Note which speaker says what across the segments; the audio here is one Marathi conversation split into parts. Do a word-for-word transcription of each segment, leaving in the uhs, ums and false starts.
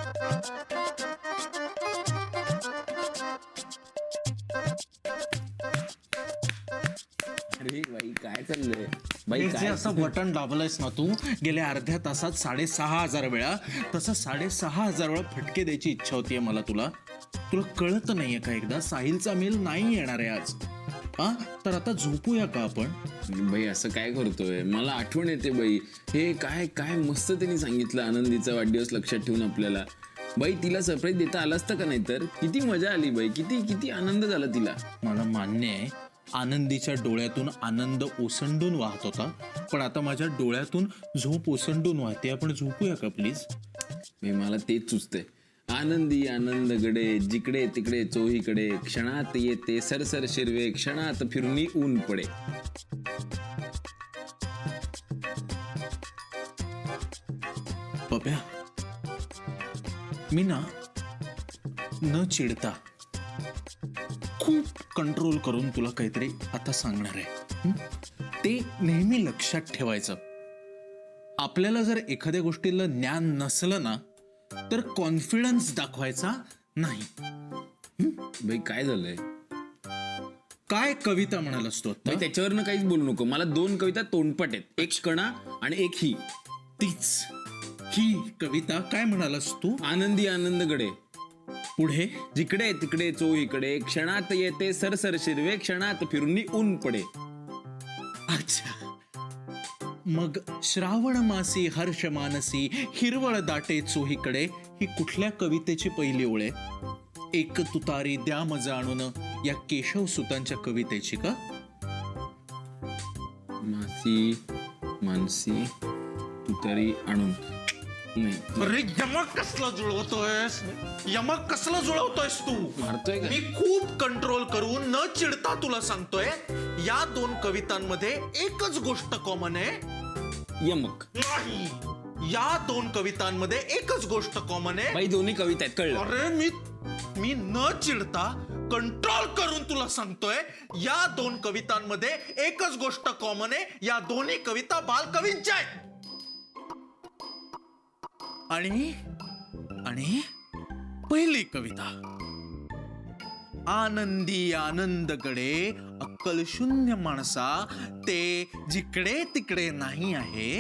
Speaker 1: अरे बाई काय चाललंय बाई?
Speaker 2: जे असं बटन दाबलंयस ना तू गेल्या अर्ध्या तासात साडेसहा हजार वेळा, तसं साडेसहा हजार वेळा फटके द्यायची इच्छा होतीये मला तुला. तुला कळत नाहीये का एकदा साहिलचा मेल नाही येणार आहे आज? हा तर आता झोपूया का आपण?
Speaker 1: बाई असं काय करतोय? मला आठवण येते बाई. हे काय काय मस्त त्यांनी सांगितलं, आनंदीचा वाढदिवस लक्षात ठेवून आपल्याला. बाई तिला सरप्राईज देता आलं असतं का? नाही तर किती मजा आली बाई, किती किती आनंद झाला तिला.
Speaker 2: मला मान्य आहे आनंदीच्या डोळ्यातून आनंद ओसंडून वाहत होता, पण आता माझ्या डोळ्यातून झोप ओसंडून वाहते. आपण झोपूया का प्लीज?
Speaker 1: बाई मला तेच सुचतंय. आनंदी आनंद गडे, जिकडे तिकडे चोहीकडे, क्षणात येते सरसर शिरवे, क्षणात फिरुनी ऊन पडे.
Speaker 2: पप्या, मी ना न चिडता खूप कंट्रोल करून तुला काहीतरी आता सांगणार आहे. हं? ते नेहमी लक्षात ठेवायचं. आपल्याला जर एखाद्या गोष्टीला ज्ञान नसलं ना तर कॉन्फिडन्स दाखवायचा नाही.
Speaker 1: बाई काय झालंय?
Speaker 2: काय कविता म्हणालास तू आता?
Speaker 1: बाई त्याच्यावरनं काहीच बोलू नको. मला दोन कविता तोंडपट आहेत, एक कणा आणि एक ही.
Speaker 2: तीच ही कविता. काय म्हणालास तू?
Speaker 1: आनंदी आनंद गडे,
Speaker 2: पुढे
Speaker 1: जिकडे तिकडे चोहीकडे, क्षणात येते सरसर शिरवे, क्षणात फिरुनी ऊन पडे.
Speaker 2: अच्छा, मग श्रावण मासी हर्ष मानसी हिरवळ दाटे चोहीकडे ही कुठल्या कवितेची पहिली ओळ आहे? एक तुतारी द्या मजा आणून या केशव सुतांच्या कवितेची का?
Speaker 1: मासी मानसी तुतारी आणून नाही.
Speaker 2: अरे यमक कसला जुळवतोयस? यमक कसला जुळवतोयस तू?
Speaker 1: मारतोय का?
Speaker 2: मी खूप कंट्रोल करून न चिडता तुला सांगतोय, या दोन कवितांमध्ये एकच गोष्ट कॉमन आहे.
Speaker 1: यमक
Speaker 2: नाही, या दोन कवितांमध्ये एकच गोष्ट कॉमन आहे.
Speaker 1: बाई दोन्ही कविता आहेत, कळलं?
Speaker 2: अरे मी मी न चिडता कंट्रोल करून तुला सांगतोय, या दोन कवितांमध्ये एकच गोष्ट कॉमन आहे. या दोन्ही कविता बालकवींच्या आहेत. आणि आणि पहिली कविता, आनंदी आनंदकडे अक्कल शून्य माणसा, ते जिकडे तिकडे नाही आहे,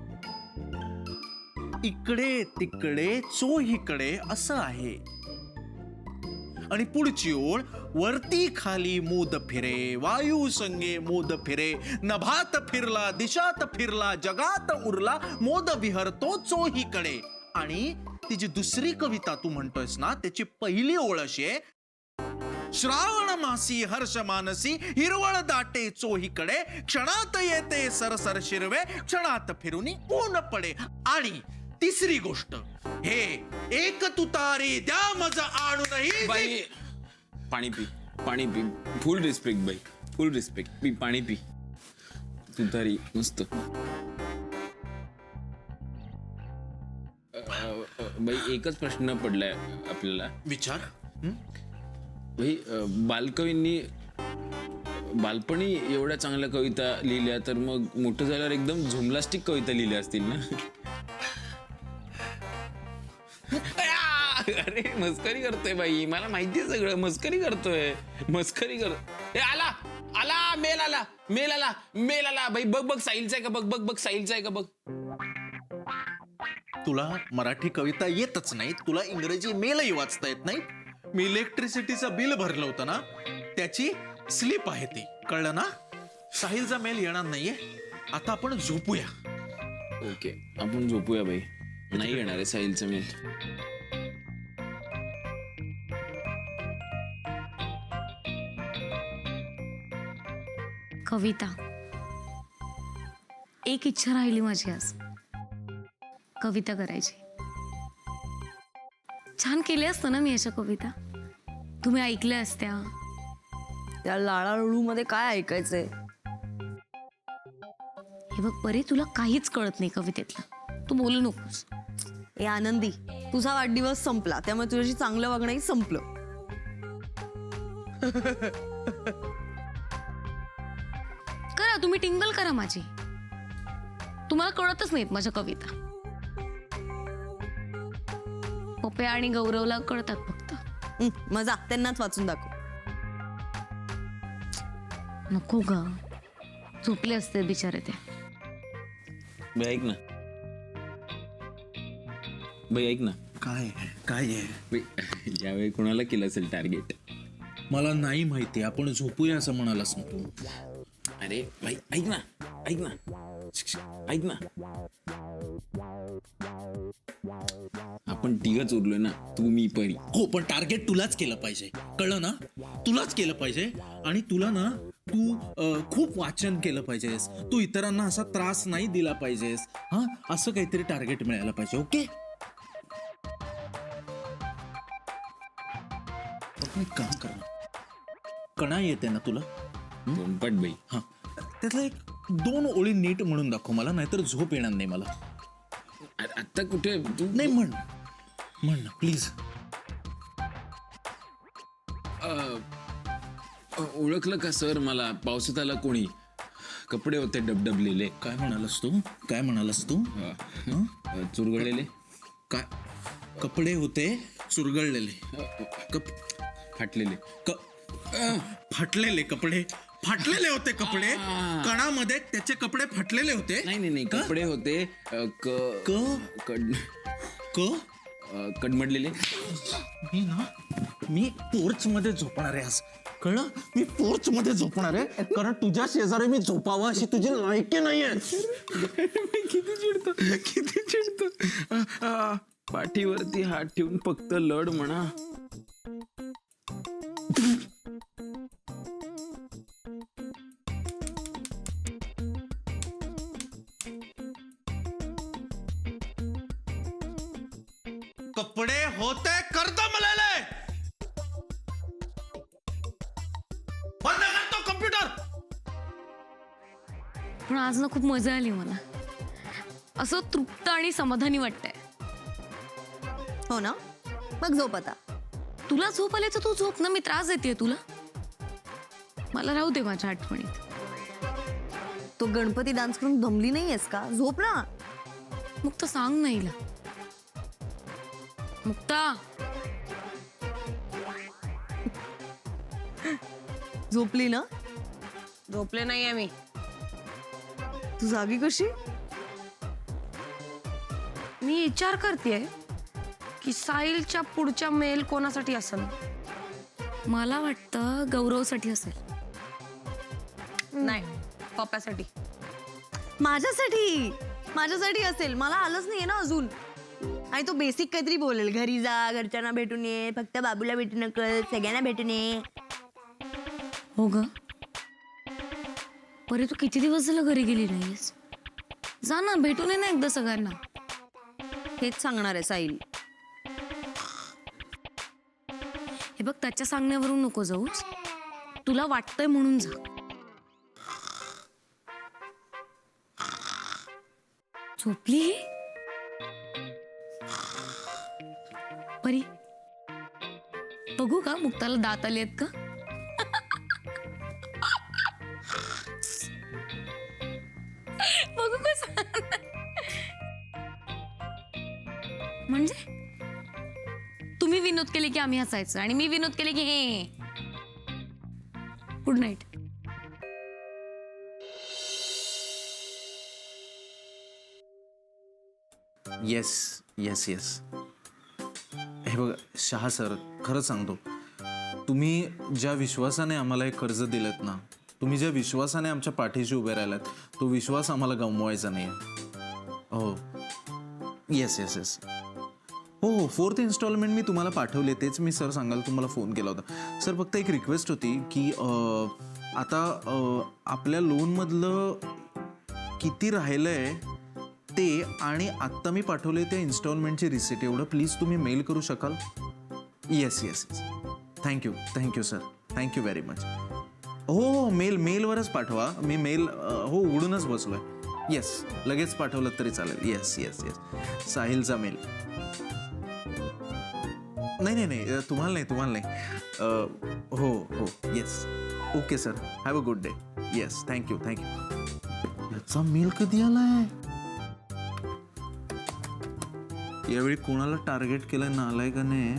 Speaker 2: इकडे तिकडे चोहीकडे असं आहे. आणि पुढची ओळ, वरती खाली मोद फिरे, वायू संगे मोद फिरे, नभात फिरला दिशात फिरला, जगात उरला मोद विहरतो चोहीकडे. आणि ती जी दुसरी कविता तू म्हणतोयस ना त्याची पहिली ओळ अशी आहे, श्रावण मासी हर्ष मानसी हिरवळ दाटे चोहीकडे, क्षणात येते सरसर शिरवे, क्षणात फिरुनी ऊन पडे. आणि तिसरी गोष्ट, हे एक तुतारी द्या मजा आणूनही.
Speaker 1: बाई पाणी पी, पाणी पी. फुल रिस्पेक्ट बाई, फुल रिस्पेक्ट. पी पाणी पी. तुतारी मस्त. बाई एकच प्रश्न पडलाय आपल्याला.
Speaker 2: विचार.
Speaker 1: भाई बालकवींनी बालपणी एवढ्या चांगल्या कविता लिहिल्या, तर मग मोठं झाल्यावर एकदम झुमलास्टिक कविता लिहिल्या असतील ना? अरे मस्करी करतोय बाई, मला माहितीये सगळं. मस्करी करतोय, मस्करी कर. ए आला आला मेल आला मेल आला मेल आला बाई. बघ बघ साहिलचा आहे का? बघ बघ बघ साहिलचा आहे का? बघ.
Speaker 2: तुला मराठी कविता येतच नाही, तुला इंग्रजी मेलही वाचता येत नाही. मी इलेक्ट्रिसिटीचं बिल भरलं होतं ना, त्याची स्लिप आहे ती, कळलं ना? साहिलचा मेल येणार नाहीये. आता आपण झोपूया.
Speaker 1: ओके आपण झोपूया बाई. नाही येणार आहे साहिलचा मेल.
Speaker 3: कविता, एक इच्छा राहिली माझी आज, कविता करायची. छान केल्या असतं ना मी अशा कविता, तुम्ही ऐकल्या असत्या.
Speaker 4: त्या लाळाळू मध्ये काय ऐकायचंय?
Speaker 3: हे बघ परी, तुला काहीच कळत नाही कवितेतलं, तू बोलू नकोस.
Speaker 4: ए आनंदी, तुझा वाढदिवस संपला त्यामुळे तुझ्याशी चांगलं वागणंही संपलं.
Speaker 3: करा तुम्ही टिंगल करा माझी, तुम्हाला कळतच नाहीत माझ्या कविता. पप्या आणि गौरवला कळतात फक्त.
Speaker 4: हं, मजा त्यांनाच वाचून दाखव.
Speaker 3: नको ग, झोपले असते बिचारे ते.
Speaker 1: बाई ऐक ना, बाई ऐक ना,
Speaker 2: काय काय आहे?
Speaker 1: बाई यावेळी कोणाला केलं असेल टार्गेट?
Speaker 2: मला नाही माहिती. आपण झोपूया असं म्हणालास ना तू.
Speaker 1: अरे भाई ऐक ना, ऐक ना, ऐक ना, आपण तिघच उरलोय ना, तू मी परी.
Speaker 2: हो, पण टार्गेट तुलाच केलं पाहिजे, कळलं ना? तुलाच केलं पाहिजे. आणि तुला ना तू अं, खूप वाचन केलं पाहिजेस. तू इतरांना असा त्रास नाही दिला पाहिजेस. हा, असं काहीतरी टार्गेट मिळायला पाहिजे. ओके, आपण एक काम कर ना. कणा येते ना तुला?
Speaker 1: दोनपट बाई.
Speaker 2: हा, त्यातला एक दोन ओळी नीट म्हणून दाखव मला, नाहीतर झोप येणार नाही मला.
Speaker 1: अरे आता कुठे तू?
Speaker 2: नाही, म्हण म्हण ना प्लीज.
Speaker 1: ओळखलं का सर मला? पावसात आला कोणी, कपडे होते डबडबलेले.
Speaker 2: काय म्हणालास तू? काय म्हणालास तू?
Speaker 1: अं, चुरगळलेले,
Speaker 2: काय कपडे होते चुरगळलेले, कप
Speaker 1: फाटलेले.
Speaker 2: क फाटलेले कपडे, फाटलेले होते कपडे. कणामध्ये त्याचे कपडे फाटलेले होते.
Speaker 1: नाही नाही नाही, कपडे होते अं, क
Speaker 2: क
Speaker 1: कड
Speaker 2: क
Speaker 1: अं, कडमडलेले.
Speaker 2: मी ना मी पोर्च मध्ये झोपणार आहे आज, कळलं? मी पोर्च मध्ये झोपणार आहे, कारण तुझ्या शेजारी मी झोपावं अशी तुझी लायकी नाहीये.
Speaker 1: किती चिडतो, किती चिडतो. अं, अं, पाठीवरती हात ठेवून फक्त लढ म्हणा.
Speaker 2: कपडे होते कर्दमलेले. बंद कर तो कम्प्युटर.
Speaker 3: पण आज ना खूप मजा आली मला, असं तृप्त आणि समाधानी वाटतंय.
Speaker 4: हो ना, मग झोप आता.
Speaker 3: तुला झोप आली तर तू झोप ना, मी त्रास देते तुला. मला राहू दे माझ्या आठवणीत.
Speaker 4: तो गणपती डान्स करून दमली नाहीयेस का? झोप ना.
Speaker 3: मुक्ता सांग ना हिला. मुक्ता,
Speaker 4: झोपली ना?
Speaker 3: झोपले नाहीये मी.
Speaker 4: तू जागी कशी?
Speaker 5: मी विचार करतेय की साहिलच्या पुढच्या मेल कोणासाठी असेल.
Speaker 3: मला वाटतं गौरवसाठी असेल.
Speaker 5: नाही, पप्पासाठी.
Speaker 4: माझ्यासाठी माझ्यासाठी असेल. मला आलंच नाहीये ना अजून. आणि तो बेसिक काहीतरी बोलेल, घरी जा, घरच्यांना भेटून ये, फक्त बाबूला भेटू नकल, सगळ्यांना भेटून ये.
Speaker 3: हो ग, परी तू किती दिवस झालं घरी गेली नाहीस? जा ना, भेटून ये ना एकदा सगळ्यांना.
Speaker 4: हेच सांगणार आहे साहिल.
Speaker 3: हे बघ, त्याच्या सांगण्यावरून नको जाऊस. तुला वाटतंय म्हणून जा. झोपली परी? बघू का मुक्ताला दात आले आहेत का? बघू कसं. म्हणजे तुम्ही विनोद केले की आम्ही हसायचं, आणि मी विनोद केले की हे. Good night.
Speaker 2: Yes yes yes. हे बघा शहा सर, खरं सांगतो, तुम्ही ज्या विश्वासाने आम्हाला हे कर्ज दिलं ना, तुम्ही ज्या विश्वासाने आमच्या पाठीशी उभे राहिलात, तो विश्वास आम्हाला गमवायचा नाही. हो, येस येस येस. हो हो, फोर्थ इन्स्टॉलमेंट मी तुम्हाला पाठवले, तेच मी सर सांगायला तुम्हाला फोन केला होता. सर फक्त एक रिक्वेस्ट होती की अं, आता अं, आपल्या लोनमधलं किती राहिलं आहे ते, आणि आत्ता मी पाठवले त्या इन्स्टॉलमेंटची रिसिट, एवढं प्लीज तुम्ही मेल करू शकाल? Yes yes yes. Thank you thank you sir, thank you very much. हो हो, मेल मेलवरच पाठवा. मी मेल हो उघडूनच बसलो आहे. येस, लगेच पाठवलं तरी चालेल. Yes yes yes. साहिलचा मेल. नाही नाही नाही, तुम्हाला नाही तुम्हाला नाही. हो हो, yes. Okay sir, have a good day. Yes, thank you thank you. याचा मेल कधी आलाय? यावेळी कोणाला टार्गेट केलं नालाय का नाही?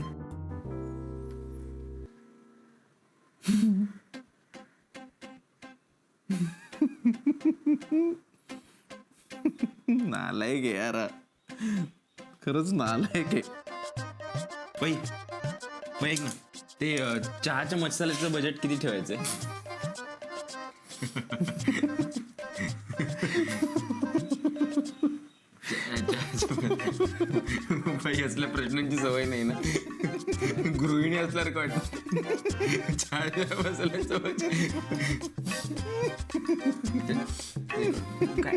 Speaker 2: नालायक आहे यार, खरंच नालायक आहे.
Speaker 1: बाई बाई ऐक ना, ते अं, चहाच्या मसाल्याचं बजेट किती ठेवायचंय? बाई असल्या प्रश्नांची सवय नाही ना, गृहिणी असल्यासारखं वाटत. चहाच्या मसाल्याचं बजेट काय?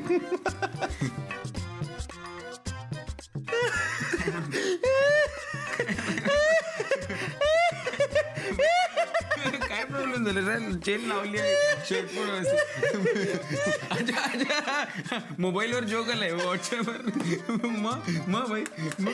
Speaker 1: काय प्रॉब्लेम झालं रे? चेन लावली आहे, शर्ट पण व्यवस्थित. अच्छा अच्छा, मोबाईलवर जोक आलाय व्हॉट्सअपवर. मग मग भाई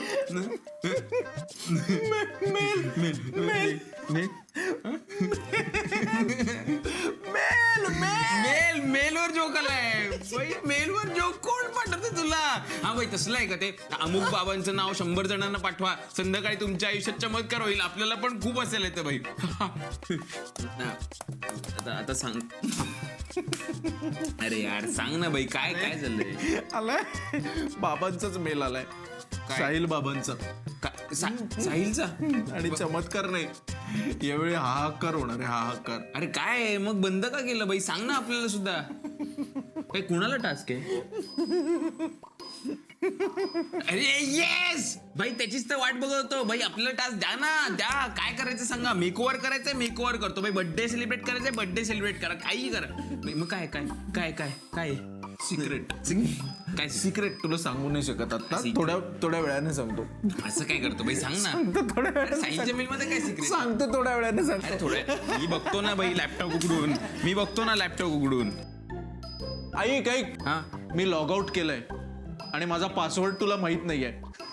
Speaker 1: मेल मेलवर जोक आलाय भाई. मेलवर जोक कोण पाठवते तुला? हा भाई तसलं आहे का ते? अमुक बाबांचं नाव शंभर जणांना पाठवा, संध्याकाळी तुमच्या आयुष्यात चमत्कार होईल. आपल्याला पण खूप असेल येतं भाई. आता आता सांग. अरे यार सांग ना भाई, काय काय चाललंय?
Speaker 2: आलाय बाबांचाच मेल आलाय, साहिल बाबांचा.
Speaker 1: का- सा- साहिलचा?
Speaker 2: आणि चमत्कार नाही, यावेळी हाहाकार होणार आहे, हाहाकार.
Speaker 1: अरे काय आहे? मग बंद का केलं बाई? सांग ना आपल्याला सुद्धा. काय कुणाला टास्क आहे? अरे येस भाई, त्याचीच तर वाट बघत होतो भाई. आपल्याला टास्क द्या ना, द्या. काय करायचं सांगा. मेकओव्हर करायचंय, मेकओव्हर करतो भाई. बर्थडे सेलिब्रेट करायचंय, बर्थडे सेलिब्रेट करा. काही करा. मग काय काय काय काय काय
Speaker 2: सिक्रेट
Speaker 1: काय
Speaker 2: सिक्रेट तुला सांगू नाही शकत आता,
Speaker 1: Secret.
Speaker 2: थोड्या थोड्या वेळाने सांगतो.
Speaker 1: असं काय करतो भाई? सांग ना.
Speaker 2: थोड्या वेळाने
Speaker 1: साहिलच्या मेल मध्ये काय सिक्रेट?
Speaker 2: सांगतो, थोड्या वेळाने
Speaker 1: अरे
Speaker 2: सांगतो.
Speaker 1: थोडं मी बघतो ना भाई लॅपटॉप उघडून. मी बघतो ना लॅपटॉप उघडून.
Speaker 2: ऐक ऐक,
Speaker 1: हा
Speaker 2: मी लॉग आउट केलंय आणि माझा पासवर्ड तुला माहित नाहीये.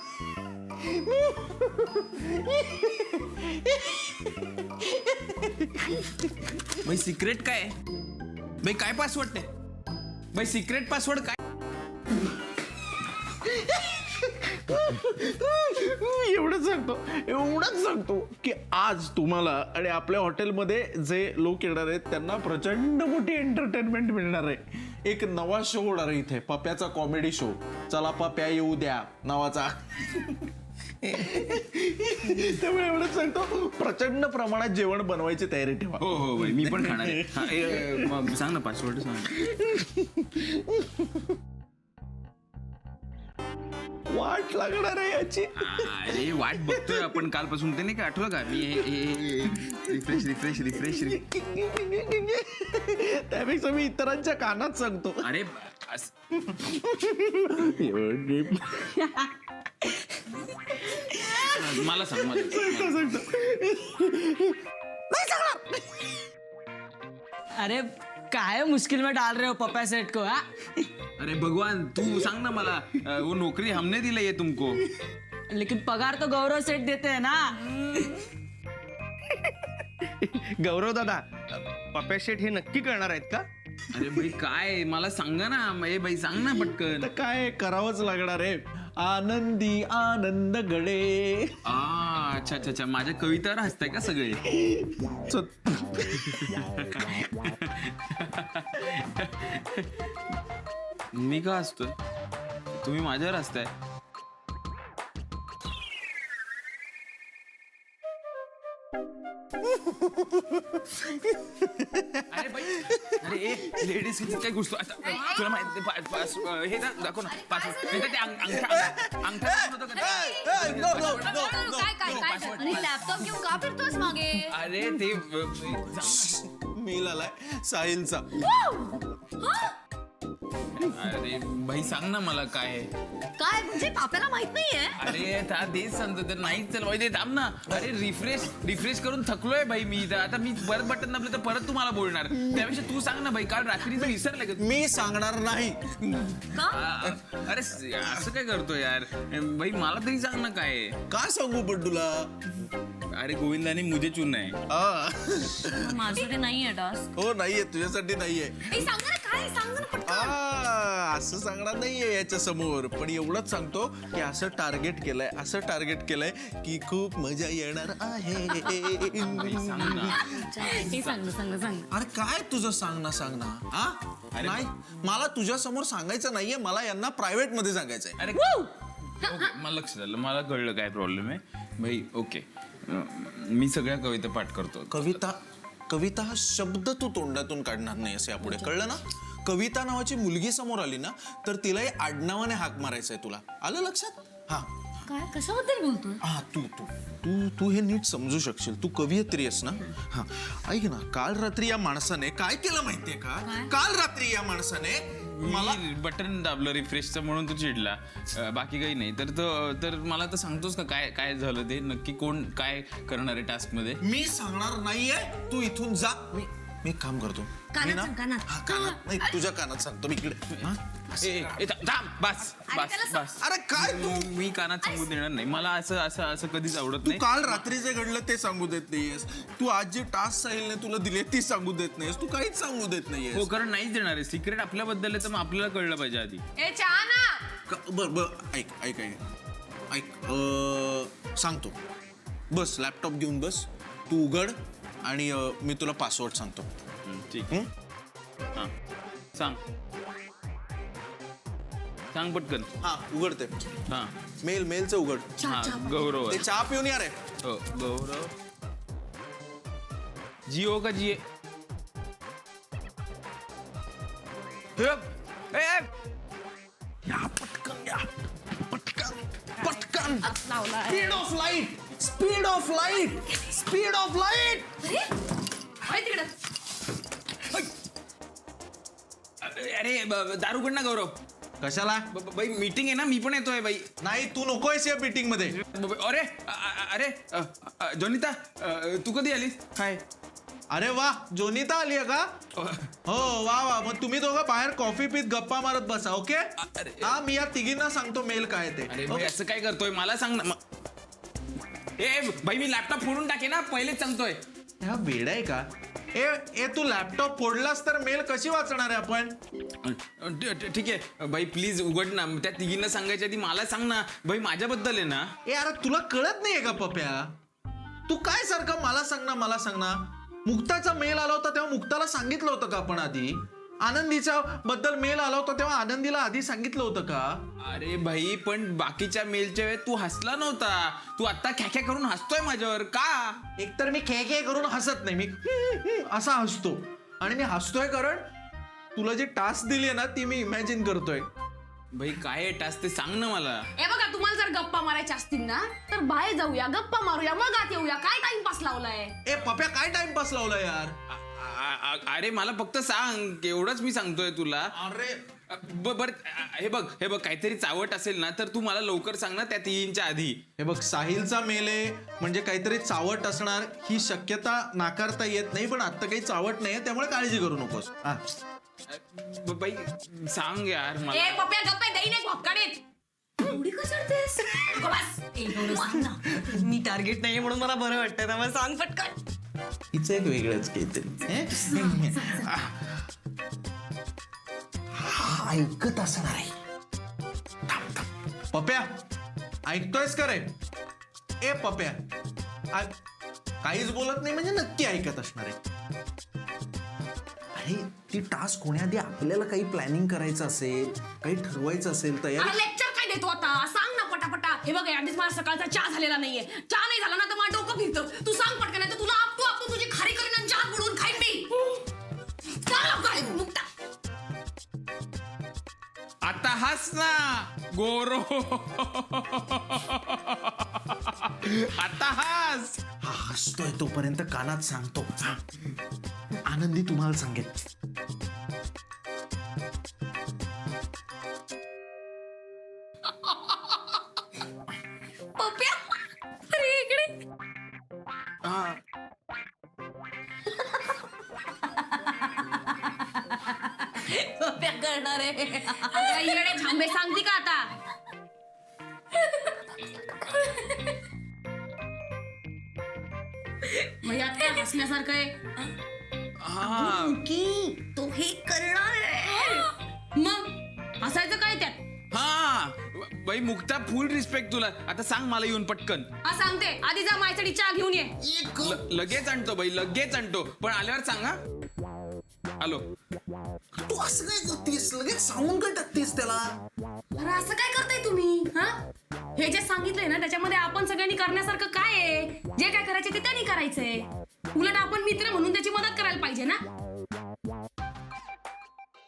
Speaker 1: भाई सिक्रेट काय आहे? भाई काय पासवर्ड आहे भाई? सिक्रेट पासवर्ड काय?
Speaker 2: एवढंच सांगतो एवढंच सांगतो की आज तुम्हाला आणि आपल्या हॉटेलमध्ये जे लोक येणार आहेत त्यांना प्रचंड मोठी एंटरटेनमेंट मिळणार आहे. एक नवा शो होणार आहे इथे, पप्याचा कॉमेडी शो. चला पप्या येऊ द्या नावाचा. त्यामुळे एवढंच सांगतो, प्रचंड प्रमाणात जेवण बनवायची तयारी ठेवा.
Speaker 1: हो हो भाई, मी पण खाणार आहे. हा, ए, ए, मग सांग ना पासवर्ड सांग.
Speaker 2: वाट लागणार आहे याची.
Speaker 1: अरे वाट बघतोय आपण कालपासून. ते नाही का आठवलं का? मी रिफ्रेश रिफ्रेश रिफ्रेश.
Speaker 2: त्यापेक्षा मी इतरांच्या कानात सांगतो.
Speaker 1: अरे अस- मला सांग मला.
Speaker 6: अरे काय मुश्किल में डाल रहे हो पप्पा सेठ को? हाँ
Speaker 1: अरे भगवान तू सांग ना मला. अ, वो नौकरी हमने दिलाई है तुमको.
Speaker 6: लेकिन पगार तो गौरव सेठ देते हैं ना.
Speaker 7: गौरव दादा, पप्या शेठ हे नक्की करणार आहेत का?
Speaker 1: अरे भाई काय मला सांगा ना. ए भाई सांग ना पटकन.
Speaker 2: तर काय करावंच लागणार आहे. आनंदी आनंद गडे.
Speaker 1: आ अच्छा अच्छा अच्छा, माझ्या कवितावर हसताय का सगळे? मी का हसतोय? तुम्ही माझ्यावर हसताय. अरे बाई, अरे ए लेडीज काय घुसतो आता? तुला माहिती पा- पास हे दा- दाखव ना पासवर्ड. नाही तर ते अंग- अंगठा अंगठा दाखवतो का ते?
Speaker 3: काय काय काय? अरे लॅपटॉप घेऊन का फिरतोस मागे?
Speaker 1: अरे ते अ,
Speaker 2: मेल आलाय साहिलचा.
Speaker 1: अरे भाई सांग ना मला काय आहे?
Speaker 4: काय म्हणजे पाप्याला माहित नाहीये?
Speaker 1: अरे त्या तेच सांगतो तर नाहीच चल भाई. थांब ना. अरे रिफ्रेश रिफ्रेश करून थकलोय भाई मी. तर आता मी परत बटन दाबलं तर परत तुम्हाला बोलणार. त्यापेक्षा तू सांग ना भाई, काल रात्रीचं विसरलं का?
Speaker 2: मी सांगणार नाही.
Speaker 1: आ, अरे असं काय करतो यार भाई? मला तरी सांग ना काय आहे?
Speaker 2: का सांगू पण तुला?
Speaker 1: अरे गोविंदाने मुझे चुन आहे.
Speaker 2: आ,
Speaker 3: माझ्याकडे नाहीये टास्क.
Speaker 2: हो नाहीये, तुझ्यासाठी नाहीये.
Speaker 3: ए सांग ना काय? सांग ना पटकन.
Speaker 2: आ, असं सांगणार नाहीये याच्या समोर, पण एवढंच सांगतो की असं टार्गेट केलंय, असं टार्गेट केलंय की खूप मजा येणार आहे.
Speaker 3: हे सांग ना, सांग ना, सांग ना.
Speaker 2: अरे काय तुझं सांग ना सांग ना हा नाही, मला तुझ्या समोर सांगायचं नाहीये, मला यांना प्रायव्हेट मध्ये सांगायचंय.
Speaker 1: अरे ओके, मला लक्षात आलं, मला कळलं काय प्रॉब्लेम आहे भाई. ओके, मी सगळ्या कविता पाठ करतो.
Speaker 2: कविता कविता हा शब्द तू तोंडातून काढणार नाही असं यापुढे कळलं ना. कविता नावाची मुलगी समोर आली ना तर तिलाही आडनावाने हाक मारायचंय. तुला आलं लक्षात? हा
Speaker 3: काय कशाबद्दल बोलतोय?
Speaker 2: हा तू तू तू तू हे नीट समजू शकशील, तू कवयित्री आहेस ना. हा ऐक ना, काल रात्री या माणसाने काय केलं माहितीये का? काल रात्री या माणसाने मला
Speaker 1: बटन दाबलं रिफ्रेशचं म्हणून तू चिडला, अं, बाकी काही नाही. तर तो- तर मला तर सांगतोस का काय काय झालं ते नक्की, कोण काय करणार आहे टास्क मध्ये?
Speaker 2: मी सांगणार नाहीये, तू इथून जा. मी मी एक काम करतो. मी ना- हा, कानात नाही, तुझ्या कानात सांगतो मी इकडे. हा?
Speaker 1: ए, ए, था- थांब, बस बस बस.
Speaker 2: अरे काय तू
Speaker 1: मी कानात सांगू देणार नाही. मला असं असं असं कधीच आवडत
Speaker 2: तू
Speaker 1: नाही.
Speaker 2: काल रात्री जे घडलं ते सांगू देत नाहीयेस. तू आज जे टास्क साहिलने तुला दिले ती सांगू देत नाहीयेस. तू काहीच सांगू देत
Speaker 1: हो,
Speaker 2: नाहीयेस.
Speaker 1: कारण नाहीच देणार आहे. सिक्रेट आपल्याबद्दल आहे तर मग आपल्याला कळलं पाहिजे आधी.
Speaker 3: ए चहा ना.
Speaker 2: क- बर बर ऐक ऐक ऐक ऐक अं, सांगतो. बस लॅपटॉप घेऊन बस, तू उघड आणि अं, मी तुला पासवर्ड सांगतो.
Speaker 1: हं, ठीक.
Speaker 2: हं?
Speaker 1: हां, सांग सांग पटकन.
Speaker 2: हा उघडते.
Speaker 1: हां
Speaker 2: मेल मेलचं उघड.
Speaker 1: हां, गौरव
Speaker 2: ते
Speaker 1: आहे.
Speaker 2: चहा पिऊन या रे.
Speaker 1: हो, गौरव. जिओ का जिए? हे बघ. ए, ए.
Speaker 2: या पटकन या पटकन पटकन. Speed of light, speed of light, speed of light.
Speaker 1: अरे ब- दारू उघड ना गौरव.
Speaker 2: कशाला?
Speaker 1: ब- ब- बाई मीटिंग आहे ना, मी पण येतोय बाई.
Speaker 2: नाही तू नकोयस या मीटिंग मध्ये.
Speaker 1: ब- ब- अरे अ- अ- अरे अ- अ- जोनिता, अ, तू कधी आलीस? काय?
Speaker 2: अरे वा, जोनिता आली आहे का? हो वा वा, मग तुम्ही दोघं बाहेर कॉफी पीत गप्पा मारत बसा. ओके.
Speaker 1: अरे.
Speaker 2: हा मी या तिघींना सांगतो मेल काय ते.
Speaker 1: अरे भाई,
Speaker 2: ओके?
Speaker 1: असं काय करतोय मला सांग ना. म- ए भाई, मी लॅपटॉप फोडून टाके ना, पहिलेच सांगतोय.
Speaker 2: हा वेडा आहे का? ए ए तू लॅपटॉप फोडलास तर मेल कशी वाचणार आहे आपण?
Speaker 1: अ, ठ- ठ- ठीक आहे भाई, प्लीज उघड ना. त्या तिघींना सांगायच्या आधी मला सांग ना भाई, माझ्याबद्दल आहे ना.
Speaker 2: ए अरे तुला कळत नाहीये का पप्या? तू काय सारखं मला सांग ना मला सांग ना. मुक्ताचा मेल आला होता तेव्हा मुक्ताला सांगितलं होतं का आपण आधी? आनंदीच्या बद्दल मेल आला होता तेव्हा आनंदीला आधी सांगितलं होतं का?
Speaker 1: अरे भाई, पण बाकीच्या मेलच्या वेळेत तू हसला नव्हता. तू आता ख्याख्या करून हसतोय माझ्यावर का?
Speaker 2: एकतर मी खे खे करून हसत नाही, मी असा हसतो. आणि मी हसतोय कारण तुला जी टास्क दिली आहे ना ती मी इमॅजिन करतोय.
Speaker 1: भाई काय आहे टास्क ते सांग ना मला.
Speaker 5: हे बघा, तुम्हाला जर गप्पा मारायच्या असतील ना तर बाहेर जाऊया, गप्पा मारूया, मग आत येऊया. काय टाइमपास लावलाय?
Speaker 2: ए पप्या काय टाइमपास लावला यार?
Speaker 1: अ- अ- अरे मला फक्त सांग, एवढंच मी सांगतोय तुला.
Speaker 2: अरे
Speaker 1: ब- बर हे बघ हे बघ काहीतरी चावट असेल ना तर तू मला लवकर सांग ना, त्या तीनच्या आधी.
Speaker 2: हे बघ, साहिलचा मेल आहे म्हणजे काहीतरी चावट असणार ही शक्यता नाकारता येत नाही, पण आता काही चावट नाहीये त्यामुळे काळजी करू नकोस. हा.
Speaker 1: ब- बाई सांग यार मला.
Speaker 5: ए पप्या, गप्पा देईन एक भपकाडीत. एवढी कशाळतेस?
Speaker 4: मी टार्गेट नाहीये म्हणून मला बरं वाटतं, त्यामुळे सांग पटकन.
Speaker 2: हिचं एक वेगळंच काहीतरी. हा ऐकत असणार आहे. थांब, थांब. पप्या ऐकतोयस का रे? ए पप्या, आ- काहीच बोलत नाही म्हणजे नक्की ऐकत असणार आहे. अरे ती टास्क होण्याआधी आपल्याला काही प्लॅनिंग करायचं असेल, काही ठरवायचं असेल, तयारी.
Speaker 5: लेक्चर काय देतो आता? सांग ना पटापटा. हे बघ, आधीच मला सकाळचा चहा झालेला नाहीये. चहा नाही झाला ना तर मला डोकं फिरतं. तू सांग पटकन, नाही तर तुला आपटू आपटू तुझी खारी करीन आणि चहा बुडवून खाईन मी. चल लवकर, मुक्ता.
Speaker 1: आता हस ना गोरो. आता हस.
Speaker 2: हा हसतोय तोपर्यंत कानात सांगतो. हा. आनंदी तुम्हाला सांगेल.
Speaker 3: पप्या, अरे इकडे.
Speaker 1: हा.
Speaker 3: पप्या करणार आहे.
Speaker 5: अगं, येडे थांबे, सांगते का आता? मग यात काय हसण्यासारखं आहे?
Speaker 1: हा.
Speaker 4: की तो हे करणार आहे.
Speaker 5: मग हसायचं काय त्यात?
Speaker 1: हा बाई मुक्ता फुल रिस्पेक्ट तुला. आता सांग मला येऊन पटकन.
Speaker 5: हा सांगते, आधी जा माझ्यासाठी चहा घेऊन ये.
Speaker 1: ल- लगेच आणतो बाई, लगेच आणतो, पण आल्यावर सांगा. आलो.
Speaker 2: तू असं काय करतेस? लगेच सांगून काय टाकतेस त्याला?
Speaker 5: अरे असं काय करताय तुम्ही? हा हे जे सांगितलंय ना त्याच्यामध्ये आपण सगळ्यांनी करण्यासारखं काय आहे? जे काय करायचे ते त्यांनी करायचंय. उलट आपण मित्र म्हणून त्याची मदत करायला पाहिजे ना.